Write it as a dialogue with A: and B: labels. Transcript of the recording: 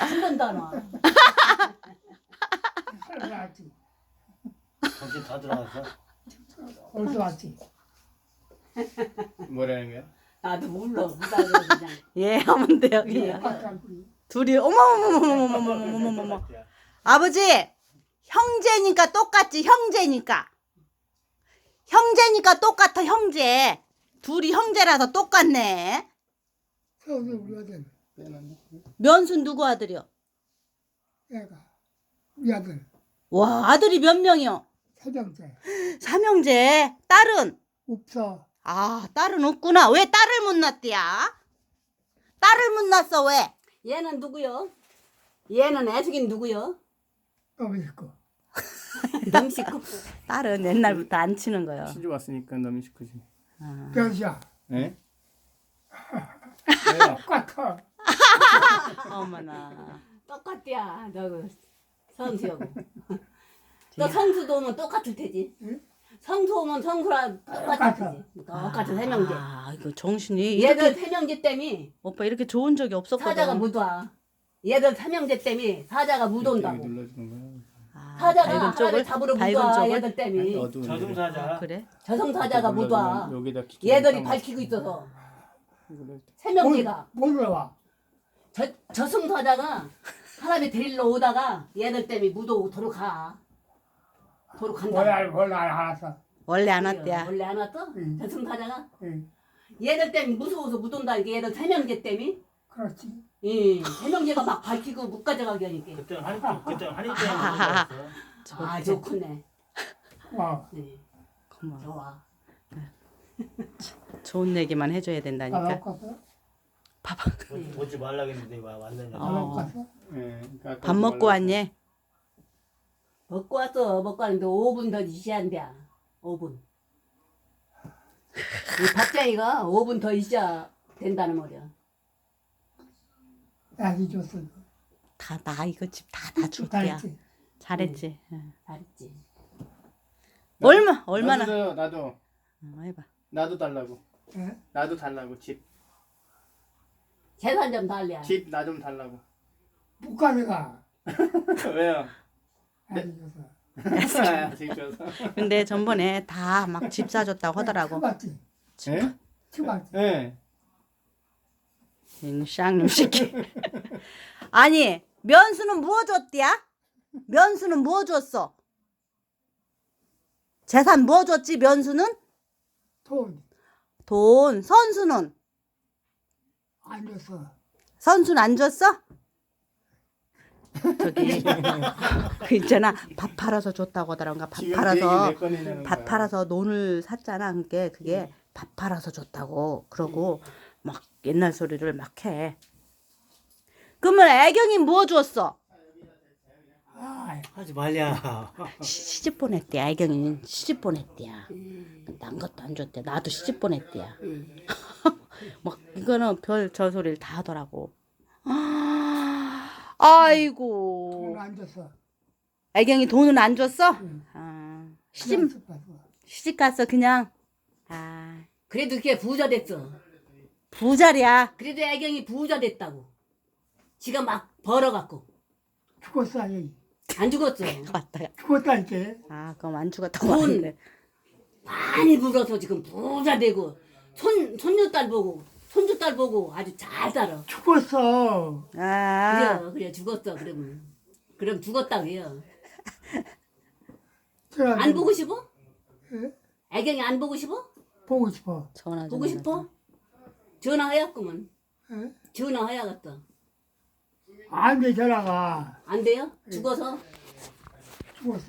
A: 한 번도 안 와.
B: 살아서 왔지.
C: 정신 다 들어갔어?
B: 어디서 왔지?
D: 뭐라는 거야?
A: 나도 몰라. 그냥.
E: 예, 하면 돼 여기.
A: 예.
E: 둘이 어머머머머머머머머머머. 아버지, 형제니까 똑같지 형제니까. 형제니까 똑같아 형제. 둘이 형제라서 똑같네.
B: 서울에 우리 아들,
D: 빼놨네.
E: 면순 누구 아들이요?
B: 애가 우리 아들
E: 와, 아들이 몇 명이요?
B: 사장째
E: 삼형제. 딸은?
B: 없어.
E: 아, 딸은 없구나. 왜 딸을 못 낳대야? 딸을 못 낳았어 왜?
A: 얘는 누구요? 얘는 애숙인 누구요?
B: 너무 있고
A: 남식구.
E: 딸은 옛날부터 안 치는 거요.
D: 시집 왔으니까 너무 시크지.
B: 변시야
D: 네? 왜요?
B: 똑같아.
E: 어머나.
A: 똑같대야. 너 성수하고. 너 성수도 오면 똑같을 테지.
B: 응?
A: 성수 오면 성수랑 똑같을 테지. 똑같은 세명제.
E: 아, 이거 정신이
A: 얘들
E: 이렇게
A: 세명제 때문에
E: 오빠 이렇게 좋은 적이 없었거든.
A: 사자가 못 와. 얘들 삼형제 때문에 사자가 못 온다고.
D: 눌러주는 거야.
E: 아,
A: 사자가
E: 밝은
A: 하나를
E: 쪽을?
A: 잡으러 못
E: 밝은
A: 와.
E: 쪽을?
A: 얘들 때문에.
D: 어두운
C: 저승사자.
E: 그래?
A: 저성사자가 못 와.
D: 여기다 기계
A: 얘들이
D: 감아.
A: 밝히고 있어서
D: 이거를
A: 세명제가.
B: 뭘 와?
A: 저승사자가 사람이 데리러 오다가 얘들 때문에 못 오도록 가. 도로 간다.
B: 뭘 알았어.
E: 원래 안 왔대야.
A: 원래 안 왔어?
B: 응.
A: 저승사자가?
B: 응.
A: 얘들 때문에 무서워서 못 온다니까. 얘들 세명제 때문에.
B: 그렇지.
A: 예, 세명제가 막 밝히고 못 가져가게 하니까.
C: 그때 한이 때
A: 아, 좋구네.
B: 와.
A: 네,
E: 고마워.
A: 좋아.
E: 좋은 얘기만 해줘야
B: 안
E: 된다니까.
B: 먹었어?
C: 오지 말라겠는데 와 왔느냐.
B: 안 먹었어?
D: 예, 그러니까
E: 밥 먹고 왔니?
A: 먹고 왔어. 먹고 왔는데 5분 더 있어야 한대. 5분. 이 박장이가 5분 더 있어야 된다는 말이야.
B: 약이 줬어.
E: 다 나 이거 집 다 놔줄게야.
B: 잘했지.
E: 잘했지. 응.
A: 잘했지.
E: 얼마나?
D: 나도 나도
E: 해봐.
D: 나도 달라고.
B: 예?
D: 나도 달라고 집.
A: 재산 좀 달래.
D: 집 나 좀 달라고.
B: 북한이가
D: 왜요?
B: 약이 줬어.
D: 아직 줘서.
E: 근데 전번에 다 막 집 사줬다고 하더라고.
B: 쳐봤지.
D: 예?
B: 쳐봤지.
D: 예.
E: 쌍놈 새끼. 아니, 면수는 뭐 줬디야? 면수는 뭐 줬어? 재산 뭐 줬지? 면수는?
B: 돈
E: 돈. 선수는?
B: 안 줬어.
E: 선수는 안 줬어? 저기 그 있잖아, 밥 팔아서 줬다고 하더라가. 밥
D: 지금
E: 팔아서
D: 그 얘기 몇 건이냐는
E: 밥
D: 거야.
E: 팔아서 논을 샀잖아. 그게 밥 팔아서 줬다고. 그러고 막 옛날 소리를 막 해. 그러면 애경이 뭐 줬어?
B: 아,
C: 하지 말랴.
E: 시집 보냈대. 애경이는 시집 보냈대야. 난 것도 안 줬대. 나도 시집 보냈대야. 막 이거는 별 저 소리를 다 하더라고. 아이고.
B: 돈 안 줬어.
E: 애경이 돈은 안 줬어?
B: 응.
E: 아,
B: 그냥
E: 시집
B: 줬어.
E: 시집 갔어 그냥. 아,
A: 그래도 걔 부자 됐어.
E: 부자리야.
A: 그래도 애경이 부자 됐다고. 지가 막 벌어갖고.
B: 죽었어. 아니.
A: 안 죽었어.
E: 맞다.
B: 죽었다니까.
E: 아, 그럼 안 죽었다고
A: 돈.
E: 하는데.
A: 많이 벌어서 지금 부자 되고 손녀딸 보고 손주딸 보고 아주 잘 살아.
B: 죽었어.
E: 아,
A: 그래 죽었어. 그럼 죽었다고 해요.
B: 제가
A: 안 보고 싶어?
B: 예?
A: 애경이 안 보고 싶어?
B: 보고 싶어.
E: 전화 좀
A: 보고 싶어? 전화해야구먼.
B: 예?
A: 전화해야겠다.
B: 안 돼, 전화가.
A: 안 돼요? 죽어서?
B: 죽었어.